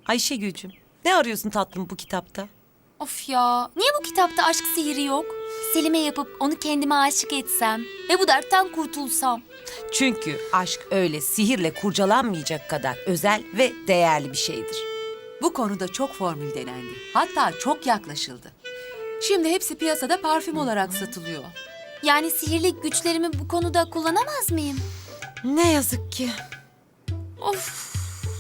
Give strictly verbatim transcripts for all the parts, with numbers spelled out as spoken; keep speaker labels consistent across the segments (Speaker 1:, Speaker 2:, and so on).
Speaker 1: Ayşegül'cüm, ne arıyorsun tatlım bu kitapta?
Speaker 2: Of ya, niye bu kitapta aşk sihiri yok? Selim'e yapıp onu kendime aşık etsem ve bu dertten kurtulsam.
Speaker 1: Çünkü aşk öyle sihirle kurcalanmayacak kadar özel ve değerli bir şeydir.
Speaker 3: Bu konuda çok formül denendi. Hatta çok yaklaşıldı. Şimdi hepsi piyasada parfüm olarak satılıyor.
Speaker 2: Yani sihirli güçlerimi bu konuda kullanamaz mıyım?
Speaker 1: Ne yazık ki.
Speaker 2: Of,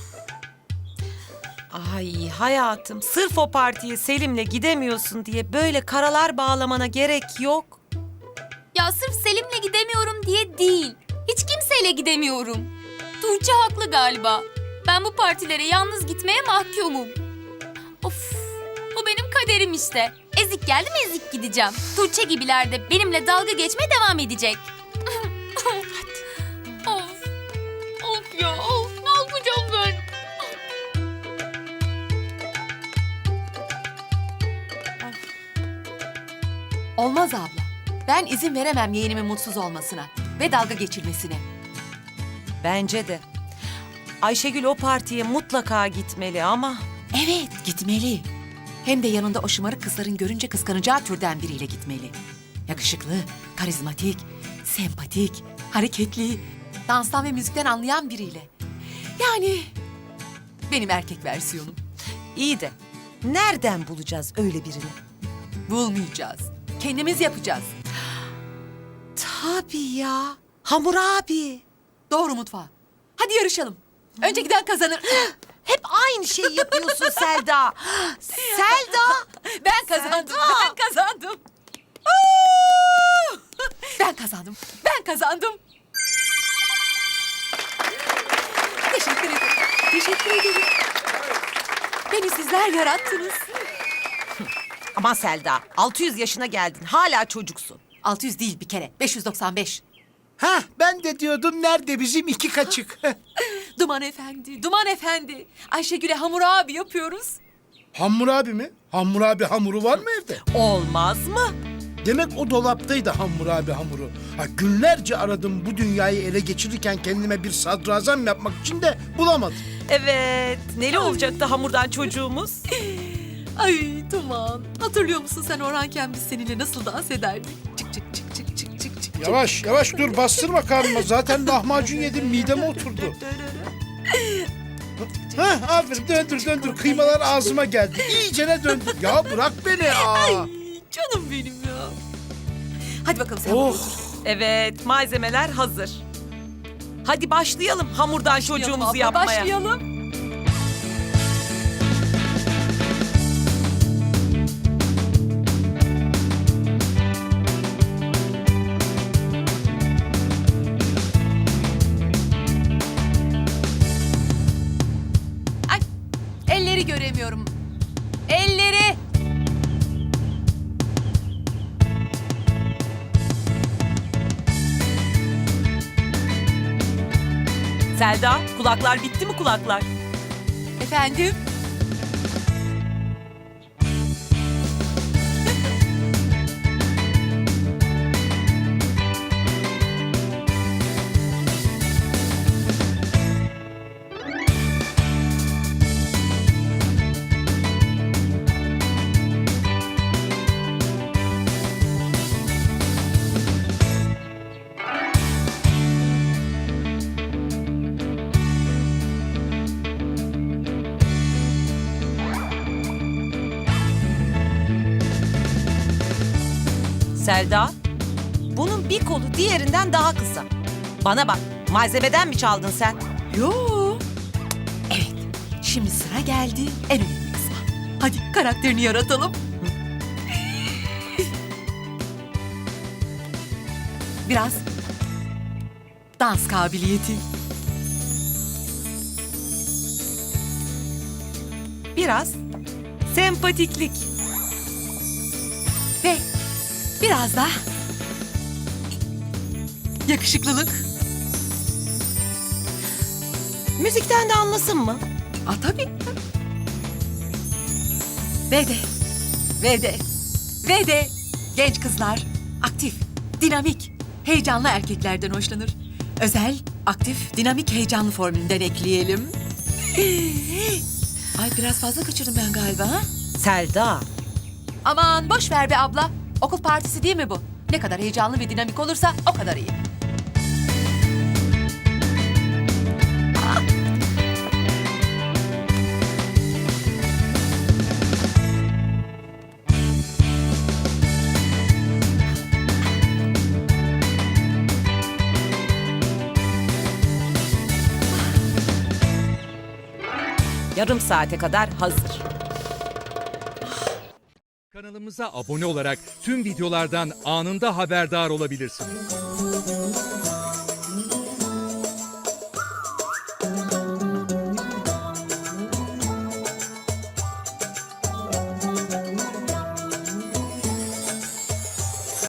Speaker 1: Ay hayatım, sırf o partiye Selim'le gidemiyorsun diye böyle karalar bağlamana gerek yok.
Speaker 2: ya sırf Selim'le gidemiyorum diye değil. Hiç kimseyle gidemiyorum. Tuğçe haklı galiba. Ben bu partilere yalnız gitmeye mahkumum. Of, bu benim kaderim işte. Ezik geldi mi ezik gideceğim. Tuğçe gibiler de benimle dalga geçmeye devam edecek. Of, of ya, of. Ne yapacağım ben?
Speaker 3: Olmaz abla. Ben izin veremem yeğenimin mutsuz olmasına ve dalga geçilmesine.
Speaker 1: Bence de. Ayşegül o partiye mutlaka gitmeli ama...
Speaker 3: Evet, gitmeli. Hem de yanında o şımarık kızların görünce kıskanacağı türden biriyle gitmeli. Yakışıklı, karizmatik, sempatik, hareketli, danstan ve müzikten anlayan biriyle. Yani benim erkek versiyonum.
Speaker 1: İyi de nereden bulacağız öyle birini?
Speaker 3: Bulmayacağız. Kendimiz yapacağız.
Speaker 1: Tabii ya. Hamur abi.
Speaker 3: Doğru mutfağa. Hadi yarışalım. Önce giden kazanır.
Speaker 1: Hep aynı şeyi yapıyorsun Selda. Selda.
Speaker 3: Ben kazandım.
Speaker 1: Selda.
Speaker 3: Ben kazandım. Ben kazandım. Ben kazandım. Teşekkür ederim. Teşekkür ederim. Beni sizler yarattınız.
Speaker 1: Ama Selda, altı yüz yaşına geldin. Hala çocuksun.
Speaker 3: altı yüz değil bir kere. beş yüz doksan beş.
Speaker 4: Hah, ben de diyordum nerede bizim iki kaçık?
Speaker 3: Duman efendi, Duman efendi. Ayşegül'e hamur abi yapıyoruz.
Speaker 4: Hammurabi mi? Hammurabi hamuru var mı evde?
Speaker 1: Olmaz mı?
Speaker 4: Demek o dolaptaydı Hammurabi hamuru. Ha, günlerce aradım bu dünyayı ele geçirirken kendime bir sadrazam yapmak için de bulamadım.
Speaker 1: Evet. Neli olacaktı hamurdan çocuğumuz?
Speaker 3: Ay Duman. Hatırlıyor musun sen Orhanken biz seninle nasıl dans ederdik? Çık çık çık çık çık çık çık.
Speaker 4: Yavaş yavaş dur, bastırma karnıma. Zaten lahmacun yedim, mideme oturdu. Hah, aferin, döndür döndür. Kıymalar ağzıma geldi. İyicene döndür. Ya bırak beni. Aa.
Speaker 3: Canım benim ya. Hadi bakalım sen
Speaker 4: Oh.
Speaker 3: burada otur.
Speaker 1: Evet, malzemeler hazır. Hadi başlayalım hamurdan çocuğumuzu
Speaker 3: Abla,
Speaker 1: yapmaya.
Speaker 3: Başlayalım. Ay, elleri göremiyorum. Elleri.
Speaker 1: Selda, kulaklar bitti mi kulaklar?
Speaker 3: Efendim?
Speaker 1: Selda, bunun bir kolu diğerinden daha kısa. Bana bak, malzemeden mi çaldın sen?
Speaker 3: Yo. Evet, şimdi sıra geldi en önemli kısma. Hadi karakterini yaratalım. Biraz dans kabiliyeti.
Speaker 1: Biraz sempatiklik.
Speaker 3: Ve biraz da yakışıklılık.
Speaker 1: Müzikten de anlasın mı?
Speaker 3: Aa, tabii. Ve de, ve de, ve de genç kızlar aktif, dinamik, heyecanlı erkeklerden hoşlanır. Özel, aktif, dinamik, heyecanlı formülünden ekleyelim. Ay biraz fazla kaçırdım ben galiba ha?
Speaker 1: Selda.
Speaker 3: Aman boş ver be abla. Okul partisi değil mi bu? Ne kadar heyecanlı ve dinamik olursa o kadar iyi.
Speaker 1: Yarım saate kadar hazır.
Speaker 5: Kanalımıza abone olarak tüm videolardan anında haberdar olabilirsiniz.